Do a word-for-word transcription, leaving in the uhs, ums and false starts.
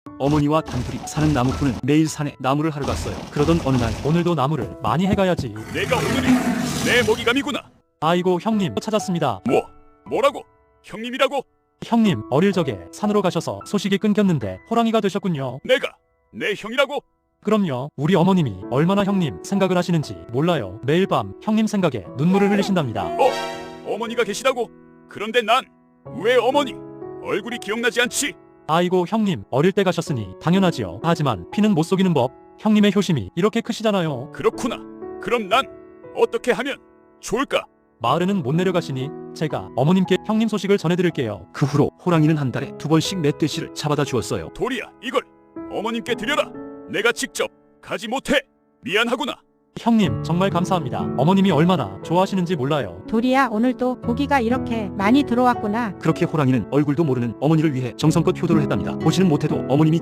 어머니와 단둘이 사는 나무꾼은 매일 산에 나무를 하러 갔어요. 그러던 어느 날 오늘도 나무를 많이 해가야지. 내가 오늘이 내 먹이감이구나. 아이고 형님 찾았습니다. 뭐? 뭐라고? 형님이라고? 형님 어릴 적에 산으로 가셔서 소식이 끊겼는데 호랑이가 되셨군요. 내가 내 형이라고? 그럼요. 우리 어머님이 얼마나 형님 생각을 하시는지 몰라요. 매일 밤 형님 생각에 눈물을 흘리신답니다. 어? 어머니가 계시다고? 그런데 난 왜 어머니 얼굴이 기억나지 않지? 아이고 형님 어릴 때 가셨으니 당연하지요. 하지만 피는 못 속이는 법. 형님의 효심이 이렇게 크시잖아요. 그렇구나. 그럼 난 어떻게 하면 좋을까? 마을에는 못 내려가시니 제가 어머님께 형님 소식을 전해드릴게요. 그 후로 호랑이는 한 달에 두 번씩 멧돼지를 잡아다 주었어요. 도리야, 이걸 어머님께 드려라. 내가 직접 가지 못해. 미안하구나. 형님 정말 감사합니다. 어머님이 얼마나 좋아하시는지 몰라요. 도리야, 오늘도 고기가 이렇게 많이 들어왔구나. 그렇게 호랑이는 얼굴도 모르는 어머니를 위해 정성껏 효도를 했답니다. 보지는 못해도 어머님이